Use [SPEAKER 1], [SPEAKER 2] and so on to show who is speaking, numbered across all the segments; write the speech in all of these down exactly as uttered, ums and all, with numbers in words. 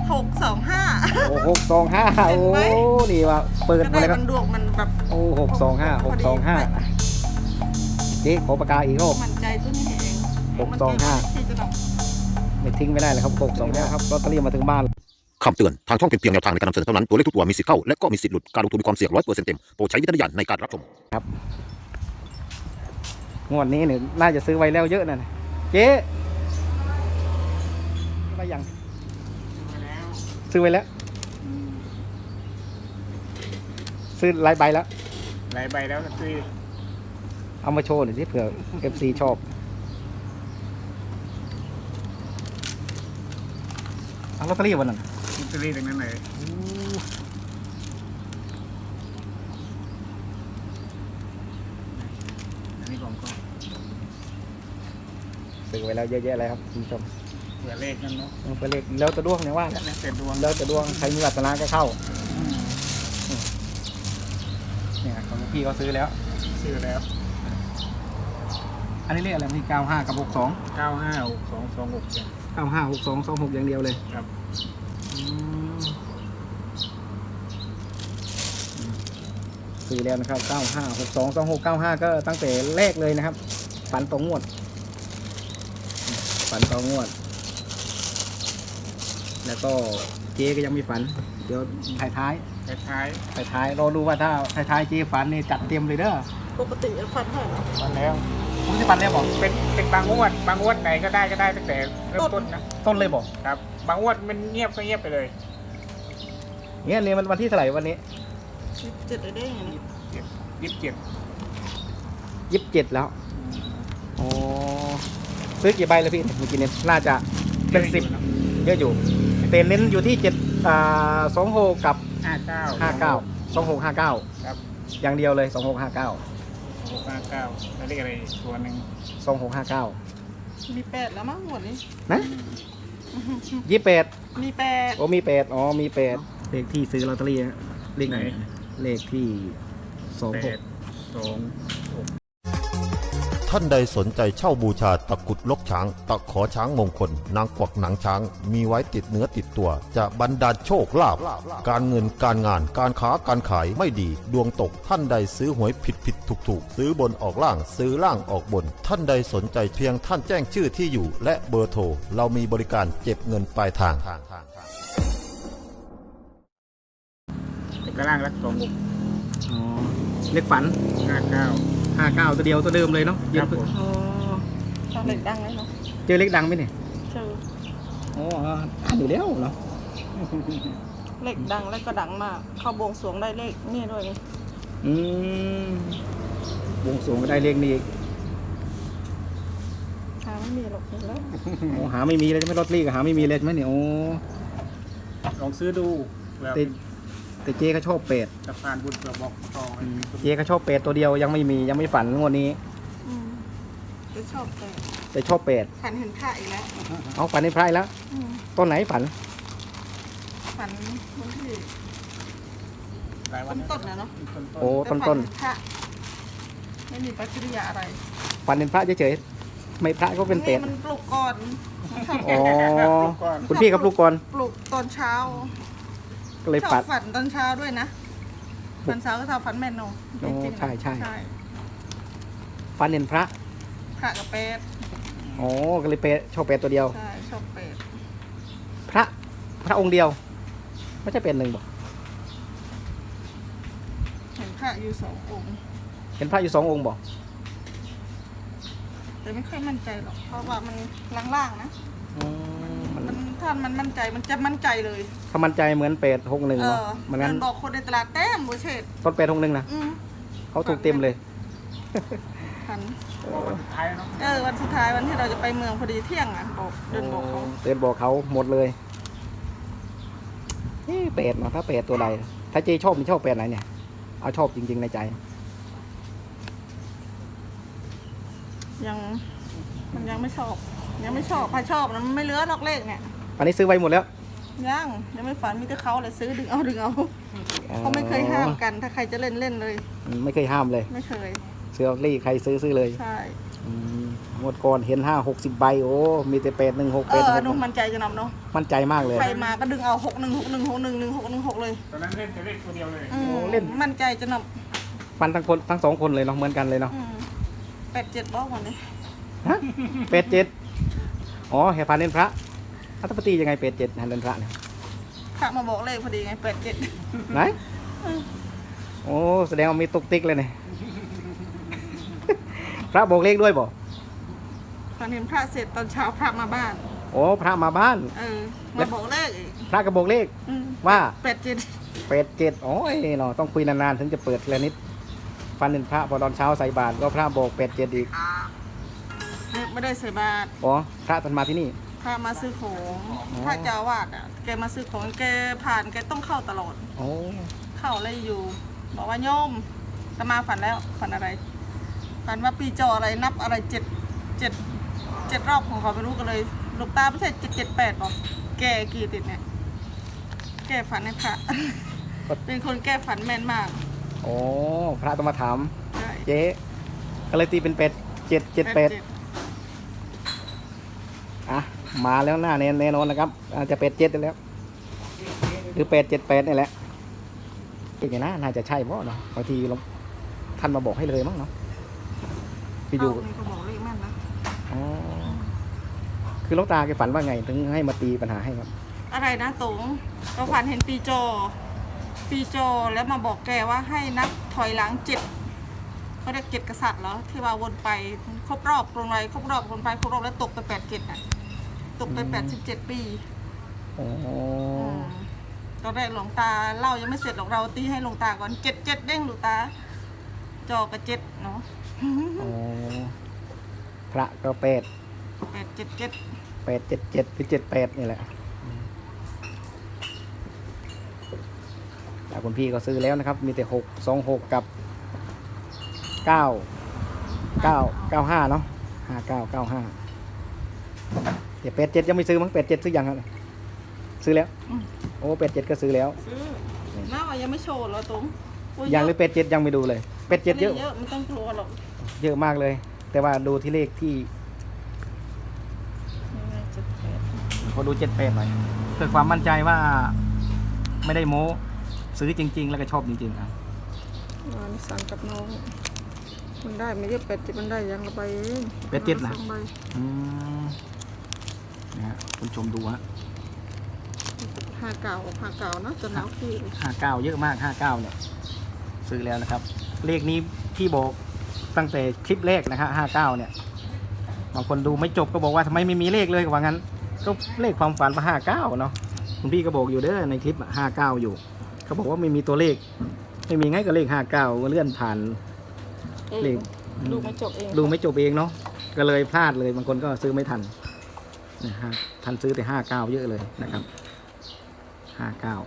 [SPEAKER 1] หกสองห้า
[SPEAKER 2] โอ้หกสองห้าโอ้นี่ว่าเปิดมาเลยครับ
[SPEAKER 1] มันดวงมันแบบ
[SPEAKER 2] โอ้หกสองห้าหกสองห้าเจ๊ขอปากกาอีกรอบ
[SPEAKER 1] มันใจตัวนี้เอง
[SPEAKER 2] หกสองห้าไม่ทิ้งไม่ได้เลยครับหกสองห้าครับลอตเตอรี่มาถึงบ้าน
[SPEAKER 3] คำเตือนทางช่องเป็นเพียงแนวทางในการนำเสนอเท่านั้นตัวเลขทุกตัวมีสิทธิ์เข้าและก็มีสิทธิ์หลุดการลงทุนมีความเสี่ยงร้อยเปอร์เซ็นต์เต็มโปรดใช้วิจารณญาณในการรับชม
[SPEAKER 2] ครับงวดนี้เนี่ยน่าจะซื้อไว้แล้วเยอะนะเจ๊ไปยังซื้อไว้แล้วซื้อหลายใบแล้ว
[SPEAKER 4] หลายใบแล้วซื้อ
[SPEAKER 2] เอามาโชว์หน่อยสิเผื่อ เอฟ ซี ชอบเอาลอตเตอรี่วันนั้น
[SPEAKER 4] ลอตเตอรี่ตรงนั้นเลยอันนี้ของก็
[SPEAKER 2] ซื้อไว้แล้วเยอะแยะเลยครับคุณผู้ชม
[SPEAKER 4] เผื่อเลขนั่นเนาะ
[SPEAKER 2] เผื่อเลขแล้วจะดวงเนี่ยว่า
[SPEAKER 4] แล้วแต่ดวง
[SPEAKER 2] แล้วจะดวงใครมีวาสนาก็เข้าเนี่ยของพี่เขาซื้อแล้ว
[SPEAKER 4] ซื้อแล้ว
[SPEAKER 2] อันนี้เลขอะไรที่เก้าห้ากับหกสอง
[SPEAKER 4] เก้าห้าหกสองสองหก
[SPEAKER 2] เก้าห้าหกสองสองหกอย่างเดียวเลย
[SPEAKER 4] ครับ
[SPEAKER 2] ซื้อแล้วนะครับเก้าห้าหกสองสองหกเก้าห้าก็ตั้งแต่แรกเลยนะครับฝันตรงงวดฝันตรงงวดแล้วก็เจ๊ก็ยังมีฝันเดี๋ยวท้ายท้าย
[SPEAKER 4] ท้าย
[SPEAKER 2] ท้ายท้ายรอดูว่าถ้าท้ายท้ายเจ๊ฝันนี่จัดเต็มเลยเด้อ
[SPEAKER 1] ปกติฝันเท่าไหร่
[SPEAKER 4] ฝันแล้ว
[SPEAKER 2] ผมจะฝันแล้วบอก
[SPEAKER 4] เป็นเป็นบางงวดบางงวดไหนก็ได้ก็ได้ตั้งแต่เริ่มต้นนะ
[SPEAKER 2] ต้นเลยบอก
[SPEAKER 4] ครับบางงวดมันเงียบก็เงียบไปเลย
[SPEAKER 2] เนี่ยเนี่ยมันวันที่เท่าไหร่วันนี้
[SPEAKER 1] ยี่สิบเจ็ดเลยได้ไง
[SPEAKER 4] ยี่สิบเจ็ด
[SPEAKER 2] ยี่สิบเจ็ดแล้วโอ้ซื้อกี่ใบแล้วพี่เมื่อกี้เนี่ยน่าจะเป็นสิบเยอะอยู่เต็นเน้นอยู่ที่เจ็ดอ่าสองหกกับ
[SPEAKER 4] ห้าเก้า
[SPEAKER 2] ห้าเก้าสองหกห้าเก้า
[SPEAKER 4] ครับ
[SPEAKER 2] อย่างเดียวเลยสองหกห้าเก้า
[SPEAKER 4] หกห้าเก้าแล้วเรียกอะไรตัวหนึ่ง
[SPEAKER 2] สองหกห้าเก้า
[SPEAKER 1] มีแปดแล้วมั้งหมดนี้
[SPEAKER 2] นะยี่แปด
[SPEAKER 1] มีแปด
[SPEAKER 2] โอ้มีแปดอ๋อมีแปดเลขที่ซื้อลอตเตอรี่เลขไหนเลขที่สองหก
[SPEAKER 4] สองหก
[SPEAKER 3] ท่านใดสนใจเช่าบูชาตะกุดลกช้างตะขอช้างมงคลนางกวักหนังช้างมีไว้ติดเนื้อติดตัวจะบรรดาลโชคลาภการเงินการงานการค้าการขายไม่ดีดวงตกท่านใดซื้อหวยผิดผิดถูกถูกซื้อบนออกล่างซื้อล่างออกบนท่านใดสนใจเพียงท่านแจ้งชื่อที่อยู่และเบอร์โทรเรามีบริการเก็บเงินปลายทาง
[SPEAKER 4] กระล่างรักสองหก
[SPEAKER 2] อ๋อเลขฝัน
[SPEAKER 4] ห้าเก้า
[SPEAKER 2] ห้าเก้าตัวเดียวตัวเดิมเลยเนาะ
[SPEAKER 4] ครับผม
[SPEAKER 1] อ๋อเล็กดังเลยเนาะ
[SPEAKER 2] เจอเล็กดังไหมเนี่ย
[SPEAKER 1] เจอ
[SPEAKER 2] อ๋ออ่านอยู่แล้วเนาะ
[SPEAKER 1] เล็กดังแล้วก็ดังมากเข้าบวงสรวงได้เลขนี่ด้วยนี่
[SPEAKER 2] อืมบวงสรวงก็ได้เลขนี้
[SPEAKER 1] หาไม่มีหรอกแล้ว
[SPEAKER 2] โอ้หาไม่มีเลยใช่ไหมลอตเตอรี่ก็หาไม่มีเลยใช่ไหมเนี่ยโอ้
[SPEAKER 4] ลองซื้อดู
[SPEAKER 2] แต่แต่เจ๊เขาชอบเป็ด
[SPEAKER 4] สะพานบุญกระบอกต่อ
[SPEAKER 2] เจ๊เขาชอบเป็ดตัวเดียวยังไม่มียังไม่ฝันงวดนี้
[SPEAKER 1] จะชอบเป็ด
[SPEAKER 2] แต่ชอบเป็ด
[SPEAKER 1] ฝันเห็นพระอีกแล้ว
[SPEAKER 2] เอาฝันในพระแล้วต้นไหนฝัน
[SPEAKER 1] ฝันวันที่
[SPEAKER 4] หลายวัน
[SPEAKER 1] ต้นนะเนาะ
[SPEAKER 2] โอ้ต้นต้น
[SPEAKER 1] พระไม่มีปฏิกิริยาอะไร
[SPEAKER 2] ฝันเห็นพระเฉยๆไม่พระก็เป็นเป็ด
[SPEAKER 1] มันปลุกก่อน
[SPEAKER 2] อ๋อคุณพี่ครับปลุกก่อน
[SPEAKER 1] ปลุกตอนเช้า
[SPEAKER 2] ก็เลยฝัน
[SPEAKER 1] ฝันตอนเช้าด้วยนะฝันเช้าก็ทำฝันแม่นโน
[SPEAKER 2] จริงๆใช่ใช่ฝันเห็นพระ
[SPEAKER 1] พระกับเป็ด
[SPEAKER 2] โอ้ก็เลยเป็ดชอบเป็ดตัวเดียว
[SPEAKER 1] ใช่ชอบเป็ด
[SPEAKER 2] พระพระองค์เดียวไม่ใช่เป็ดหนึ่งบอก
[SPEAKER 1] เห็นพระอยู่สององค์
[SPEAKER 2] เห็นพระอยู่สององค์บอก
[SPEAKER 1] แต่ไม่ค่อยมั่นใจหรอกเพราะว่ามันล่างๆนะมันถ้ามันมั่นใจมันจะมั่นใจเลย
[SPEAKER 2] ถ้ามั่นใจเหมือนเป็ดหกหนึ่ง
[SPEAKER 1] เหมือนบอกคนในตลาดเต็มบุเชต
[SPEAKER 2] ต้นเป็ดหกหนึ่งนะเขาถูกเต็มเลย
[SPEAKER 1] ฝัน
[SPEAKER 4] วันสุดท้ายเนาะ
[SPEAKER 1] เออวันสุดท้ายวันที่เราจะไปเมืองพอดีเที่ยงอ่ะบอกเดินบอกเขา
[SPEAKER 2] เดินบอกเขาหมดเลยนี่เป็ดเนาะถ้าเป็ดตัวใดถ้าเจชอบมีชอบเป็ดไหนเนี่ยเอาชอบจริงๆในใจ
[SPEAKER 1] ยังมันยังไม่ชอบยังไม่ชอบพาชอบนะมันไม่เหลือหรอกเลขเนี่ย
[SPEAKER 2] อันนี้ซื้อไว้หมดแล้ว
[SPEAKER 1] ยังยังไม่ฝันมีแต่เขาเลยซื้อดึงเอาดึงเอาเขาไม่เคยห้ามกันถ้าใครจะเล่นเล่นเลย
[SPEAKER 2] ไม่เคยห้ามเลย
[SPEAKER 1] ไม่เคย
[SPEAKER 2] ซื้อลอตเตอรี่ใครซื้อซื้อเลย
[SPEAKER 1] ใช่
[SPEAKER 2] อืมงวดก่อนเห็นห้าหกสิบใบโอ้มีแต่แปดหนึ่งหก
[SPEAKER 1] เอ
[SPEAKER 2] แปด
[SPEAKER 1] อ
[SPEAKER 2] ห
[SPEAKER 1] นุ่ม
[SPEAKER 2] ก
[SPEAKER 1] มั่นใจจะนำเนาะ
[SPEAKER 2] มั่นใจมากเลย
[SPEAKER 1] ใครมาก็ดึงเอาหกหนึ่งหกหนึ่งหกหนึ่งหนึ่งหกหนึ่งหกเลย
[SPEAKER 4] ตอนนั้นเล่นแต่เลขตัวเดียวเลย
[SPEAKER 1] อืม
[SPEAKER 2] โอ้เล่น
[SPEAKER 1] มั่นใจจะน
[SPEAKER 2] ฟันทั้งคนทั้งสองคนเลยเนาะเหมือนกันเลยเนาะ
[SPEAKER 1] ำอืมแปดเจ็ดบอกวันนี้
[SPEAKER 2] ฮะแปดเจ็ดอ๋อแห่พานเล่นพระอัตปฏิยังไงแปดเจ็ดหันเล่นพระเนี่ย
[SPEAKER 1] พระมาบอกเลขพอดีไงแปดเจ็ด
[SPEAKER 2] ไหนโอ้แสดงว่ามีตุกติ๊กเลยเนี่ย พระบอกเลขด้วยบ่
[SPEAKER 1] ตอนเห็นพระเสร็จตอนเช้าพระมาบ้าน
[SPEAKER 2] โอ้พระมาบ้าน
[SPEAKER 1] เออมาบอกเลขอีก
[SPEAKER 2] พระก็บอกเลข
[SPEAKER 1] อืม
[SPEAKER 2] ว่า
[SPEAKER 1] แปดเจ็ด
[SPEAKER 2] แปดเจ็ดโอ้ยเนาะต้องคุยนานๆถึงจะเปิดแล้วนิดฟันเล่นพระพอตอนเช้าใส่บาตรก็พระบอกแปดเจ็ดอีก
[SPEAKER 1] ไม่ได้ใส่บาตร
[SPEAKER 2] อ๋อพระท่านมาที่นี่
[SPEAKER 1] พระมาซื้อของ
[SPEAKER 2] อ๋อ
[SPEAKER 1] พระเจ้าอาวาดอ่ะแกมาซื้อของแกผ่านแกต้องเข้าตลอด
[SPEAKER 2] โอ้
[SPEAKER 1] เข้าเลยอยู่ บอกว่าโยมจะมาฝันแล้วฝันอะไร ฝันว่าปีจออะไรนับอะไรเจ็ดเจ็ดเจ็ดรอบของเขาไม่รู้กันเลยลูกตาไม่ใช่เจ็ดเจ็ดแปดบอกแกกี่ติดเนี่ย แกฝันให้พระ เป็นคนแก้ฝันแม่นมาก
[SPEAKER 2] โอ้พระต้องมาถาม
[SPEAKER 1] ใช่
[SPEAKER 2] เจ๊ก็เลยตีเป็นเป็ดเจ็ดเจ็ดแปดอ่ะมาแล้วหน้าแน่แน่นอนนะครับอาจจะเป็ดเจ็ดแล้ว หรือเป็ดเจ็ดแปดนี่แหละเป็นไงนะน่าจะใช่บ่เนาะบางทีเราท่านมาบอกให้เลยมั้งเนาะพี่อยู่
[SPEAKER 1] เอ้านี่ก็บอกเลขแม่นนะ
[SPEAKER 2] อ๋อคือหลวงตาแกฝันว่าไงถึงให้มาตีปัญหาให้ครับ
[SPEAKER 1] อะไรนะตงก็ฝันเห็นปีจอ ปีจอแล้วมาบอกแกว่าให้นับถอยหลังเจ็ดเขาเรียกเจ็ดกษัตริย์เหรอที่ว่าวนไปครบรอบตรงไรครบรอบวนไปครบรอบแล้วตกไปแปดเจ็ดอ่ะตกไปแปดสิบเจ็ดปี
[SPEAKER 2] โอ้
[SPEAKER 1] มตอนแรกหลวงตาเล่ายังไม่เสร็จหรอกเราตีให้หลวงตาก่อนเจ็ดเจ็ดเด้งหลวงตา จอกับเจ็ดเนาะ
[SPEAKER 2] โอ้พระก็เป็ด
[SPEAKER 1] แปดเจ็ดเจ็ด
[SPEAKER 2] แปดเจ็ดเจ็ดหรือเจ็ดแปดนี่แหละแต่คุณพี่ก็ซื้อแล้วนะครับ มีแต่หกสองหกกับเก้าเก้าเก้าห้าเนาะห้าเก้าเก้าห้าเดี๋ยวแปดเจ็ดยังไม่ซื้อมั้งแปดเจ็ดซื้อยังครับซื้อแล้ว
[SPEAKER 1] อืม
[SPEAKER 2] โอ้แปดเจ็ดก็ซื้อแล้ว
[SPEAKER 1] ซื้อน่าว่ายังไม่โชว์เหรอตงอุ๊
[SPEAKER 2] ยังหรือ
[SPEAKER 1] เะ
[SPEAKER 2] แปดเจ็ดยังไม่ดูเลยแปดเจ็ดเยอะ
[SPEAKER 1] เยอะไม่ต้องกลัวหรอก
[SPEAKER 2] เยอะมากเลย แต่ว่าดูที่เลขที่
[SPEAKER 1] นี่ไงเจ็ดแปด
[SPEAKER 2] ขอดูเจ็ดแปดหน่อยเพื่อความมั่นใจว่าไม่ได้โม้ซื้อจริง ๆ แล้วก็ชอบจริงๆครับ
[SPEAKER 1] งานสั่งกับน้อง มันได้ไม่เยอะแปดเจ็ดมันได้ยังละใบเอง
[SPEAKER 2] แปดเจ็ดนะ
[SPEAKER 1] สองใบ
[SPEAKER 2] อืมนะฮะคุณผู้ชมดูฮะ
[SPEAKER 1] ห้าเก่าห้าเก่านะจะหนาวพี่เลย
[SPEAKER 2] ห้าเก้าเยอะมากห้าเก้าเนี่ย ซื้อแล้วนะครับ เลขนี้พี่บอกตั้งแต่คลิปแรกนะฮะห้าเก้าเนี่ยบางคนดูไม่จบก็บอกว่าทำไมไม่มีเลขเลยก็ว่างั้น ก็เลขความฝันมาห้าเก้าเนาะคุณพี่ก็บอกอยู่เด้อในคลิปห้าเก้าอยู่เขาบอกว่าไม่มีตัวเลข ไม่มีไงก็เลขห้าเก้าเลื่อนผ่าน เลข
[SPEAKER 1] ดูไม่จบเอง
[SPEAKER 2] ดูไม่จบเองเนาะก็เลยพลาดเลยบางคนก็ซื้อไม่ทันนะฮะทันซื้อแต่ห้าเก้าเยอะเลยนะครับห้าเก้า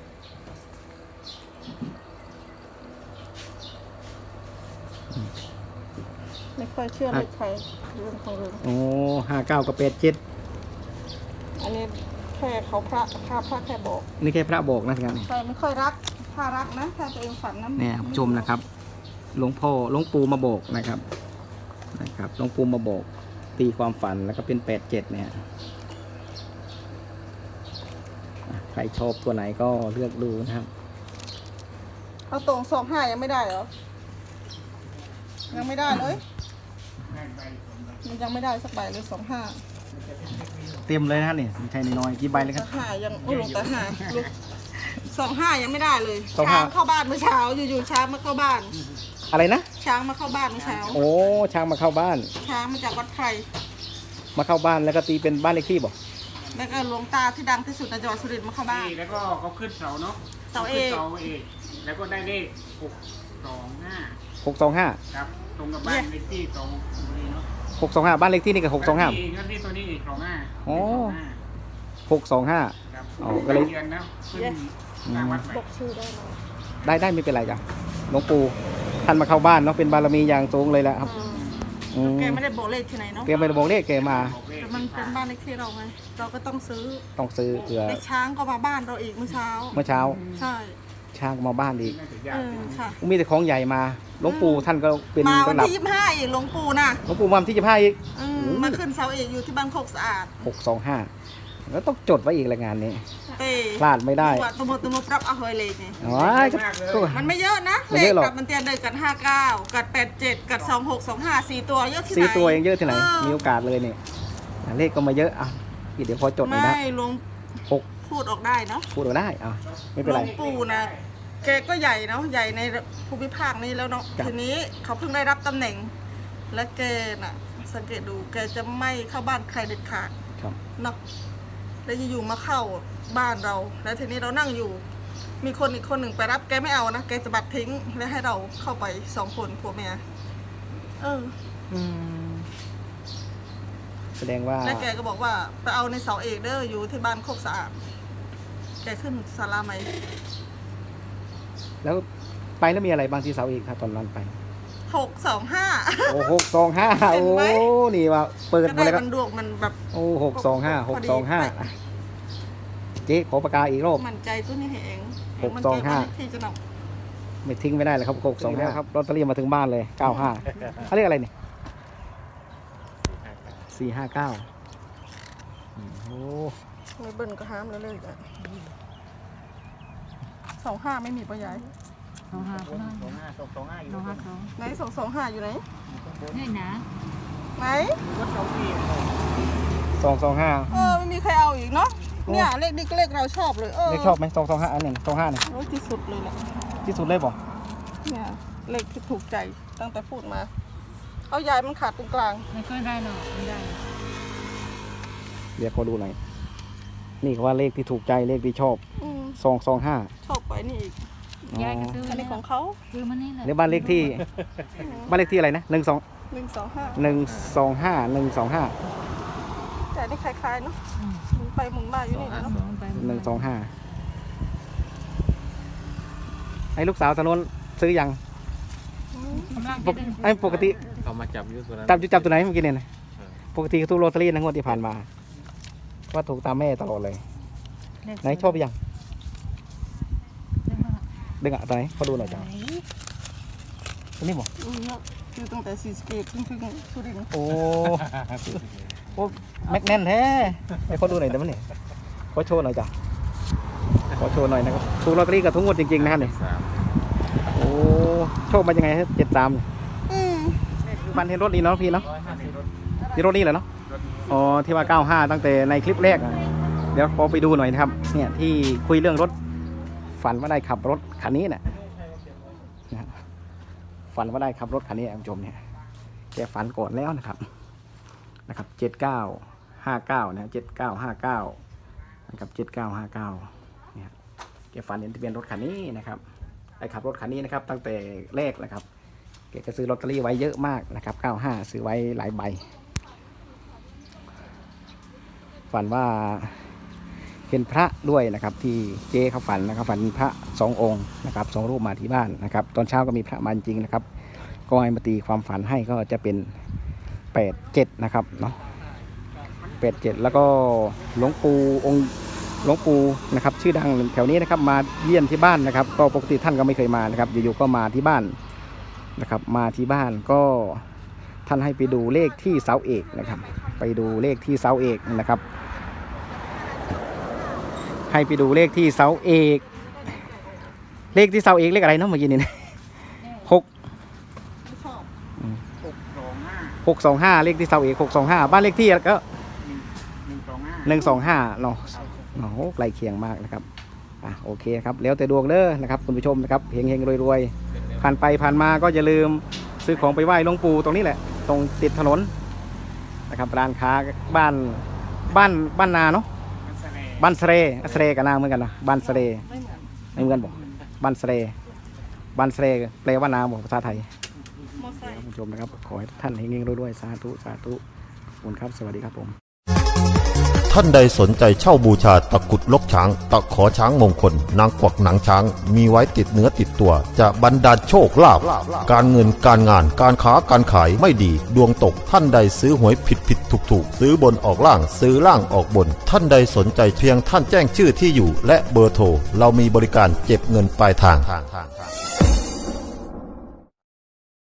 [SPEAKER 1] ไม่ค่อยเชื่อเลยใครเรื่องของเรื่อง
[SPEAKER 2] โอ้ห้าเก้ากับแปดเจ็ด
[SPEAKER 1] อันนี้แค่เขาพระพระพระแค่บอก
[SPEAKER 2] นี่แค่พระบอกนะครับ
[SPEAKER 1] ใครไม่ค่อยรักถ้ารักนะถ้าตัวเองฝันนะ
[SPEAKER 2] เนี่ยผู้ชมนะครับหลวงพ่อหลวงปู่มาบอกนะครับนะครับหลวงปู่มาบอกตีความฝันแล้วก็เป็นแปดเจ็ดเนี่ยอ่ะใครชอบตัวไหนก็เลือกดูนะครับ
[SPEAKER 1] เอาตรงสองห้ายังไม่ได้เหรอ ยังไม่ได้เลย มันยังไม่ได้สักใบเลยสองห้า
[SPEAKER 2] เต็มเลยนะเนี่ยไม่ใช่น้อยๆกี่ใบเลยครับ
[SPEAKER 1] ตาห้ายังโอ้ลงตาห้าลูกสองห้ายังไม่ได้เลย
[SPEAKER 2] สองห้า
[SPEAKER 1] ช้างเข้าบ้านเมื่อเช้าอยู่ๆช้างมาเข้าบ้าน
[SPEAKER 2] อะไรนะ
[SPEAKER 1] ช้างมาเข้าบ้านเมื่อเช้า
[SPEAKER 2] โอ้ช้างมาเข้าบ้าน
[SPEAKER 1] ช้างมาจากวัดไพร
[SPEAKER 2] มาเข้าบ้านแล้วก็ตีเป็นบ้านเลขที่บอก
[SPEAKER 1] แล้วก็หลวงตาที่ดังที่สุดในจังหวัดสุรินทร์มาเข้าบ้าน
[SPEAKER 4] นี่แล้วก็เขาขึ้นเสาเนาะ
[SPEAKER 1] เสาเอก
[SPEAKER 4] ขึ้นเสาเอกแล้วก็ได้เลขหกสองห้า
[SPEAKER 2] หกสองห้า
[SPEAKER 4] ครับตรงกับบ้านเลขที่ตรงนี้เนาะ
[SPEAKER 2] หกสองห้าบ้านเลขที่นี่กับหกสองห้า
[SPEAKER 4] แล้วที่แล้วที่ตัวนี้อีกสองห้า
[SPEAKER 2] อ๋อ หกสองห้า
[SPEAKER 4] ครับ
[SPEAKER 2] อ๋อก็เลย
[SPEAKER 4] เดือนแล้วขึ้นสร้างวัดใหม่
[SPEAKER 1] บอกชื่อได้ไหม
[SPEAKER 2] ได้ได้ไม่เป็นไรจ้ะหลวงปู่ท่านมาเข้าบ้านเนาะเป็นบารมีอย่างสูงเลยแหละครับ
[SPEAKER 1] อืม
[SPEAKER 2] อืม
[SPEAKER 1] แกไม่ได้บอกเลขที่ไหนเนาะ
[SPEAKER 2] แกไม่ได้บอกเลขแกมา
[SPEAKER 4] บอกเลข
[SPEAKER 1] แต่มันเป็นบ้านเลขที่เราไง เราก็ต้องซื้อ
[SPEAKER 2] ต้องซื้อเผื่อ
[SPEAKER 1] ไอ้ช้างก็มาบ้านเราอีกเมื่อเช้า
[SPEAKER 2] เมื่อเช้า
[SPEAKER 1] ใช่
[SPEAKER 2] ชช้างมาบ้านอีก
[SPEAKER 1] เออค่ะ
[SPEAKER 2] มีแต่ของใหญ่มาหลวงปู่ท่านก็เป็น
[SPEAKER 1] มาวัน
[SPEAKER 2] ระดับ
[SPEAKER 1] ที่ยี่สิบห้าอีกหลวงปู่นะ
[SPEAKER 2] หลวงปู่มาวันที่ยี่สิบห้าอีก
[SPEAKER 1] อืมมาขึ้นเสาเอกอยู่ที่บ้านโคกสะอาด
[SPEAKER 2] หกสองห้าแล้วต้องจดไว้อีกรายงานนี้
[SPEAKER 1] เต้
[SPEAKER 2] พลาดไม่ได้
[SPEAKER 1] ตัวมตัวมปรับเอาเฮยเลยไง
[SPEAKER 2] อ๋อก็ก็
[SPEAKER 1] มันไม่เยอะนะ
[SPEAKER 2] ไม่
[SPEAKER 1] เล
[SPEAKER 2] เย
[SPEAKER 1] ข
[SPEAKER 2] อะหรอก
[SPEAKER 1] กับมันเตียนเดินกันห้าเก้ากัดแปดเจ็ดกัดสองหกสองห้าสี่ตัวเยอะที่ไหน
[SPEAKER 2] สี่ตัวเองเยอะที่ไหน
[SPEAKER 1] ออ
[SPEAKER 2] มีโอกาสเลยเนี่ยเลขก็มาเยอะอ่ะพี่เดี๋ยวพอจดหน่อยนะ
[SPEAKER 1] ไม่หลวง
[SPEAKER 2] หก
[SPEAKER 1] พูดออกได้เนาะ
[SPEAKER 2] พูดเอาได้อ่ะไม่
[SPEAKER 1] ห
[SPEAKER 2] เป็น
[SPEAKER 1] ล
[SPEAKER 2] ไร
[SPEAKER 1] วงปู่นะแกก็ใหญ่เนาะใหญ่ในภูมิภาคนี้แล้วเนาะ
[SPEAKER 2] ครับ
[SPEAKER 1] ทีนี้เขาเพิ่งได้รับตำแหน่ง และแกน่ะสังเกตดูแกจะไม่เข้าบ้านใครเด็ดขาด
[SPEAKER 2] ครับ
[SPEAKER 1] เนาะแล้วอยู่ๆมาเข้าบ้านเรา แล้วทีนี้เรานั่งอยู่ มีคนอีกคนหนึ่งไปรับแกไม่เอานะแกจะบัดทิ้งแล้วให้เราเข้าไปสองคนผัวเมียเออ
[SPEAKER 2] อืมแสดงว่า
[SPEAKER 1] แล้วแกก็บอกว่าไปเอาในเสาเอกเด้ออยู่ที่บ้านโคกสะอาดแกขึ้นศาลาไหม
[SPEAKER 2] แล้วไปแล้วมีอะไรบางที่เสาอีกครับตอนนั้นไป
[SPEAKER 1] หกสองห้า
[SPEAKER 2] โอ้หกสองห้า
[SPEAKER 1] เห็น
[SPEAKER 2] โอ้
[SPEAKER 1] ไหม
[SPEAKER 2] นี่ว่าเปิด
[SPEAKER 1] ก็
[SPEAKER 2] มา
[SPEAKER 1] ได้
[SPEAKER 2] เลยครับ
[SPEAKER 1] มันดวงมันแบบ
[SPEAKER 2] โอ้หกสองห้าห
[SPEAKER 1] พ
[SPEAKER 2] ก
[SPEAKER 1] อดี
[SPEAKER 2] สองห้าเจ๊ขอปากกาอีกรอบ
[SPEAKER 1] มั่นใจตัวนี้เอง
[SPEAKER 2] หกสองห้า
[SPEAKER 1] ที่จะน
[SPEAKER 2] ไม่ทิ้งไม่ได้เลยครับหกสองห้าครับลอตเตอรี่มาถึงบ้านเลยเก้าห้าเขาเรียกอะไรเนี่ยสี่ห้าเก้าโอ้
[SPEAKER 1] ำไม่เบิ้ลก็ห้ามแล้วเลยอ่ะสองห้าไม่มีปะยาย
[SPEAKER 5] สองห้าสองห้าสองห้าสองสองห้าสอง
[SPEAKER 1] ไหนสองสองห้าอยู่ไหน
[SPEAKER 5] นี่นะ
[SPEAKER 1] ไหน
[SPEAKER 2] สองสองห้า
[SPEAKER 1] เออไม่มีใครเอาอีกเนาะเนี่ยเลขนี้ก็เลขเราชอบเลยเออ
[SPEAKER 2] เลขชอบไหมสองสองห้าอันนี้สองห้าเนี่ย
[SPEAKER 1] โอ้ยที่สุดเลยแหละ
[SPEAKER 2] ที่สุดเลยบอก
[SPEAKER 1] เนี่ยเลขที่ถูกใจตั้งแต่พูดมา เอายายมันขาดตรงกลาง
[SPEAKER 5] ไม่ค่อยได้หรอกไม่ได้
[SPEAKER 2] เดี๋ยวขอดูหน่อยนี่เขาว่าเลขที่ถูกใจเลขที่ชอบ
[SPEAKER 1] อืม
[SPEAKER 2] สองสองห้า
[SPEAKER 1] ชอบไปนี่อีก
[SPEAKER 5] ยายก็ซื้อ
[SPEAKER 1] อันนี้ของเขา
[SPEAKER 5] ซื้อมานี่แหละ
[SPEAKER 2] หรือบ้านเลขที่บ้านเลขที่อะไรนะหนึ่งสอง
[SPEAKER 1] หนึ่งสองห้า
[SPEAKER 2] หนึ่งสองห้าหนึ่งสองห้า
[SPEAKER 1] แต่นี่คล้ายๆเนาะ
[SPEAKER 5] อืม
[SPEAKER 1] หมุนไปหมุนมาอยู่นี่แหละเนาะ
[SPEAKER 5] สองไป
[SPEAKER 2] หนึ่งสองห้าไอ้ลูกสาวตอนนู้นซื้อยัง
[SPEAKER 1] อืม
[SPEAKER 5] กำลัง
[SPEAKER 2] ปกไอ้ปกติ
[SPEAKER 4] เขามาจับยุทธนั้น
[SPEAKER 2] จับจุจับตัวไหนเมื่อกี้เนี่ยนะปกติเขาถูกโรตารี่นะงวดที่ผ่านมาว่าถูกตามแม่ตลอดเลยไหนชอบยังดึงอ่ะตัวไหนเขาดูหน่อยจ้ะตัวนี้บอก
[SPEAKER 1] อืมเยอะคือตั้งแต่ซีสเกตถึงถึงสุรินทร์
[SPEAKER 2] โอ้โอ้แม็กแน่นแท้ให้เขาดูหน่อยได้ไหมเนี่ยขอโชว์หน่อยจ้ะขอโชว์หน่อยนะครับถูกลอตเตอรี่กับทุกงวดจริงๆนะครับเนี่ยโอ้โชคมายังไงฮะเจ็ดสาม
[SPEAKER 1] อืม
[SPEAKER 2] ฟันเห็นรถนี้เนาะพี่เนาะที่รถนี้เหรอเนาะอ๋อที่ว่าเก้าห้าตั้งแต่ในคลิปแรกอะเดี๋ยวขอไปดูหน่อยนะครับเนี่ยที่คุยเรื่องรถฝันว่าได้ขับรถคันนี้เนี่ยนะฝันว่าได้ขับรถคันนี้คุณผู้ชมเนี่ยแกฝันก่อนแล้วนะครับนะครับเจ็ดเก้าห้าเก้านะเจ็ดเก้าห้าเก้านะครับเจ็ดเก้าห้าเก้าเนี่ยแกฝันเห็นทะเบียนรถคันนี้นะครับได้ขับรถคันนี้นะครับ ตั้งแต่แรกนะครับแกก็ซื้อลอตเตอรี่ไว้เยอะมากนะครับเก้าห้าซื้อไว้หลายใบฝันว่าเห็นพระด้วยนะครับ ที่เจ๊เขาฝันนะครับฝันพระสององค์นะครับสองรูปมาที่บ้านนะครับ ตอนเช้าก็มีพระมาจริงนะครับ ก็ให้มาตีความฝันให้ก็จะเป็นแปดเจ็ดนะครับเนาะแปดเจ็ดแล้วก็หลวงปู่องค์หลวงปู่นะครับ ชื่อดังแถวนี้นะครับ มาเยี่ยมที่บ้านนะครับ ก็ปกติท่านก็ไม่เคยมานะครับอยู่ๆก็มาที่บ้านนะครับ มาที่บ้านก็ท่านให้ไปดูเลขที่เสาเอกนะครับ ไปดูเลขที่เสาเอกนะครับ ให้ไปดูเลขที่เสาเอก เลขที่เสาเอกเลขอะไรเนาะเมื่อกี้นี่นะหก
[SPEAKER 1] ไม่ชอบ
[SPEAKER 2] หกสองห้าเลขที่เสาเอกหกสองห้าบ้านเลขที่ก็
[SPEAKER 4] หนึ่งสองห้า
[SPEAKER 2] หนึ่งสองห้าเนาะโอ้โหใกล้เคียงมากนะครับอ่ะโอเคครับแล้วแต่ดวงเด้อนะครับคุณผู้ชมนะครับเฮงเฮงรวยรวยๆผ่านไปผ่านมาก็อย่าลืมซื้อของไปไหว้หลวงปู่ตรงนี้แหละ ตรงติดถนนนะครับร้านค้าบ้านบ้านบ้านนาเนาะบ้านเสเรเสเรกับนาเหมือนกันนะบ้านเสเร
[SPEAKER 1] ไม่เหมือน
[SPEAKER 2] ไม่เหมือนบอกบ้านเสเรบ้านเสเรแปลว่านาบอกภาษาไทย
[SPEAKER 1] มอไซค์
[SPEAKER 2] คุณผู้ชมนะครับขอให้ท่านเฮงๆรวยๆสาธุสาธุขอบคุณครับสวัสดีครับผม
[SPEAKER 3] ท่านใดสนใจเช่าบูชาตะกรุดลกช้าง ตะขอช้างมงคล นางกวักหนังช้าง มีไว้ติดเนื้อติดตัว จะบรรดาลโชคลาภการเงินการงานการค้าการขายไม่ดีดวงตกท่านใดซื้อหวยผิดผิดถูกถูกซื้อบนออกล่างซื้อล่างออกบน ท่านใดสนใจเพียงท่านแจ้งชื่อที่อยู่ และเบอร์โทรเรามีบริการเก็บเงินปลายทาง